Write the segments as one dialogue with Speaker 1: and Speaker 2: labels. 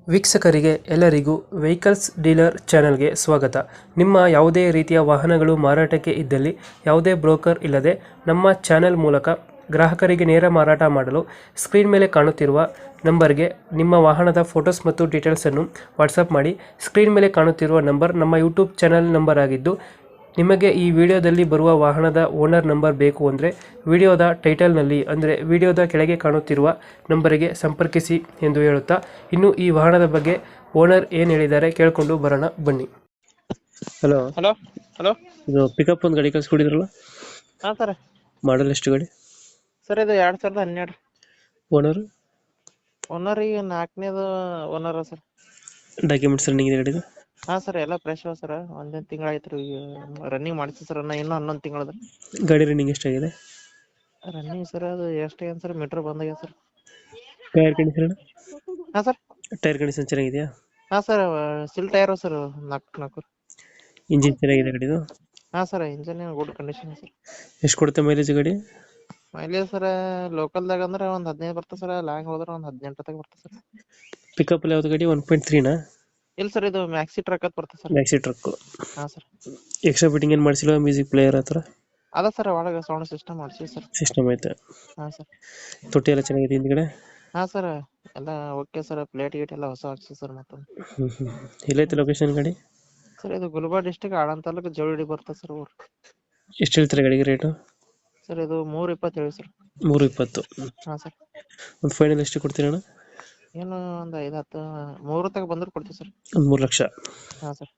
Speaker 1: ವೀಕ್ಷಕರಿಗೆ ಎಲ್ಲರಿಗೂ vehicles dealer ಚಾನೆಲ್ಗೆ ಸ್ವಾಗತ. ನಿಮ್ಮ ಯಾವುದೇ ರೀತಿಯ ವಾಹನಗಳು ಮಾರಾಟಕ್ಕೆ ಇದ್ದಲ್ಲಿ ಯಾವುದೇ ಬ್ರೋಕರ್ ಇಲ್ಲದೆ ನಮ್ಮ ಚಾನೆಲ್ ಮೂಲಕ ಗ್ರಾಹಕರಿಗೆ ನೇರ ಮಾರಾಟ ಮಾಡಲು ಸ್ಕ್ರೀನ್ ಮೇಲೆ ಕಾಣುತ್ತಿರುವ ನಂಬರ್ಗೆ ನಿಮ್ಮ ವಾಹನದ ಫೋಟೋಸ್ ಮತ್ತು ಡೀಟೇಲ್ಸನ್ನು ವಾಟ್ಸಪ್ ಮಾಡಿ. ಸ್ಕ್ರೀನ್ ಮೇಲೆ ಕಾಣುತ್ತಿರುವ ನಂಬರ್ ನಮ್ಮ ಯೂಟ್ಯೂಬ್ ಚಾನೆಲ್ ನಂಬರ್ ಆಗಿದ್ದು, ನಿಮಗೆ ಈ ವಿಡಿಯೋದಲ್ಲಿ ಬರುವ ವಾಹನದ ಓನರ್ ನಂಬರ್ ಬೇಕು ಅಂದರೆ ವಿಡಿಯೋದ ಟೈಟಲ್ನಲ್ಲಿ ಅಂದರೆ ವಿಡಿಯೋದ ಕೆಳಗೆ ಕಾಣುತ್ತಿರುವ ನಂಬರಿಗೆ ಸಂಪರ್ಕಿಸಿ ಎಂದು ಹೇಳುತ್ತಾ, ಇನ್ನು ಈ ವಾಹನದ ಬಗ್ಗೆ ಓನರ್ ಏನು ಹೇಳಿದ್ದಾರೆ ಕೇಳಿಕೊಂಡು ಬರೋಣ ಬನ್ನಿ. ಹಲೋ,
Speaker 2: ಹಲೋ ಹಲೋ
Speaker 1: ಇದು ಪಿಕಪ್ ಒಂದು ಗಾಡಿ ಕಳಿಸ್ಕೊಡಿದ್ರಲ್ಲ,
Speaker 2: ಹಾಂ ಸರ್.
Speaker 1: ಮಾಡಲ್ ಎಷ್ಟು ಗಾಡಿ?
Speaker 2: ಸರ್ ಇದು 2012
Speaker 1: ಓನರ್
Speaker 2: ಓನರ್ ಈಗ 4ನೇದು ಓನರ್ ಸರ್.
Speaker 1: ಡಾಕ್ಯುಮೆಂಟ್ಸ್ ರನ್ನಿಂಗ್ ಇದೆ ಗಾಡಿದು?
Speaker 2: ಹಾಂ ಸರ್, ಎಲ್ಲ ಫ್ರೆಶ್ ಅವ ಸರ್. ಒಂದೇ ತಿಂಗಳು ಆಯ್ತು ರೀ ರನ್ನಿಂಗ್ ಮಾಡಿಸಿ ಸರ್. ಇನ್ನೂ 11 ತಿಂಗಳದ
Speaker 1: ಗಾಡಿ ರನ್ನಿಂಗ್ ಎಷ್ಟಾಗಿದೆ?
Speaker 2: Running sir. ಅದು ಎಷ್ಟು ಏನು ಸರ್, ಮೀಟ್ರ್ ಬಂದಾಗ್ಯದ ಸರ್.
Speaker 1: Tyre condition?
Speaker 2: ಹಾಂ ಸರ್.
Speaker 1: ಟೈರ್ ಕಂಡೀಷನ್ ಚೆನ್ನಾಗಿದೆಯಾ?
Speaker 2: ಹಾಂ ಸರ್, ಸಿಲ್ ಟೈರ್ ಸರ್, ನಾಲ್ಕು.
Speaker 1: ಇಂಜಿನ್ ಚೆನ್ನಾಗಿದೆ ಗಾಡಿದು?
Speaker 2: ಹಾಂ sir, engine good condition sir.
Speaker 1: ಎಷ್ಟು ಕೊಡುತ್ತೆ ಮೈಲೇಜ್ ಗಾಡಿ?
Speaker 2: ಮೈಲೇಜ್ ಸರ್ ಲೋಕಲ್ದಾಗ ಅಂದ್ರೆ ಒಂದು 15 ಬರ್ತದೆ ಸರ್. ಲಾಂಗ್ ಹೋದ್ರೆ ಒಂದು 18 ತನಕ ಬರ್ತದೆ ಸರ್.
Speaker 1: ಪಿಕಪ್ ಯಾವ್ದು ಗಾಡಿ? 1.3ನಾ?
Speaker 2: ಇಲ್ಲ ಸರ್, ಇದು ಮ್ಯಾಕ್ಸಿ ಟ್ರಕ್ ಅಂತ ಬರ್ತದೆ ಸರ್.
Speaker 1: Maxi truck.
Speaker 2: ಹಾಂ ಸರ್.
Speaker 1: ಎಕ್ಸ್ಟ್ರಾ ಫಿಟ್ಟಿಂಗ್ ಏನು ಮಾಡಿಸಿಲ್ಲ? ಮ್ಯೂಸಿಕ್ ಪ್ಲೇಯರ್ ಹತ್ರ
Speaker 2: ಅದ ಸರ್, ಒಳಗೆ ಸೌಂಡ್ ಸಿಸ್ಟಮ್ ಮಾಡಿಸಿ ಸರ್.
Speaker 1: ಸಿಸ್ಟಮ್ ಐತೆ?
Speaker 2: ಹಾಂ ಸರ್.
Speaker 1: ತೊಟ್ಟಿ ಎಲ್ಲ ಚೆನ್ನಾಗಿದೆ ಹಿಂದ್ಗಡೆ?
Speaker 2: ಹಾಂ ಸರ್, ಎಲ್ಲ ಓಕೆ ಸರ್. ಪ್ಲೇಟ್ ಗೀಟ್ ಎಲ್ಲ ಹೊಸ ಹಾಕ್ಸಿ ಸರ್. ಮತ್ತೊಂದು
Speaker 1: ಎಲ್ಲೈತೆ ಲೊಕೇಶನ್ ಗಾಡಿ?
Speaker 2: ಸರ್, ಇದು ಗುಲ್ಬರ್ಗ ಡಿಸ್ಟಿಕ್ ಆಳಂದ ತಾಲೂಕು ಜವಳಿ ಬರ್ತದೆ ಸರ್ ಊರು.
Speaker 1: ಎಷ್ಟು ಹೇಳ್ತಾರೆ ಗಾಡಿಗೆ ರೇಟು?
Speaker 2: ಸರ್ ಇದು 320 ಹೇಳಿ ಸರ್.
Speaker 1: 320.
Speaker 2: ಹಾಂ ಸರ್.
Speaker 1: ಒಂದು ಫೈನಲ್ ಎಷ್ಟು ಕೊಡ್ತೀರಣ್ಣ?
Speaker 2: ಏನು ಒಂದು 5-10 3 ತನಕ ಬಂದ್ರೆ ಕೊಡ್ತೀವಿ ಸರ್.
Speaker 1: ಒಂದು 3 ಲಕ್ಷ?
Speaker 2: ಹಾಂ ಸರ್.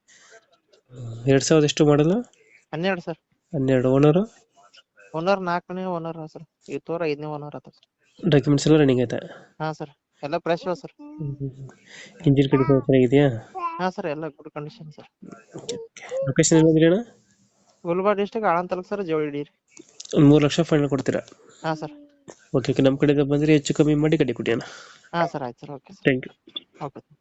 Speaker 1: 2000 ಎಷ್ಟು ಮಾಡಲ್ಲ?
Speaker 2: 12 ಸರ್.
Speaker 1: 12. ಓನರು?
Speaker 2: ಓನರ್ 4ನೇ ಓನರ್ ಸರ್. ಈ ತೋರ 5ನೇ ಓನರ್ ಆತ ಸರ್.
Speaker 1: ಡಾಕ್ಯುಮೆಂಟ್ಸ್ ಎಲ್ಲ ರನ್ನಿಂಗ್ ಐತೆ?
Speaker 2: ಹಾಂ ಸರ್, ಎಲ್ಲ ಫ್ರೆಶ್ ಅವ ಸರ್.
Speaker 1: ಇಂಜಿನ್ ಕಂಡೀಷನ್ ಚೆನ್ನಾಗಿದೆಯಾ?
Speaker 2: ಹಾಂ ಸರ್, ಎಲ್ಲ ಗುಡ್ ಕಂಡೀಷನ್ ಸರ್.
Speaker 1: ಲೊಕೇಶನ್ ಎಲ್ಲಂದ್ರಿ ಅಣ್ಣ?
Speaker 2: Gulbarga district Aland taluk sir, Javali.
Speaker 1: ಒಂದು 3 ಲಕ್ಷ ಫೈನಲ್ ಕೊಡ್ತೀರಾ?
Speaker 2: ಹಾಂ ಸರ್.
Speaker 1: ಓಕೆ, ನಮ್ಮ ಕಡೆಗೆ ಬಂದರೆ ಹೆಚ್ಚು ಕಮ್ಮಿ ಮಾಡಿ ಗಾಡಿ ಕೊಡಿ ಅಣ್ಣ.
Speaker 2: ಹಾಂ ಸರ್, ಆಯ್ತು sir. Okay sir.
Speaker 1: Thank you.
Speaker 2: Okay.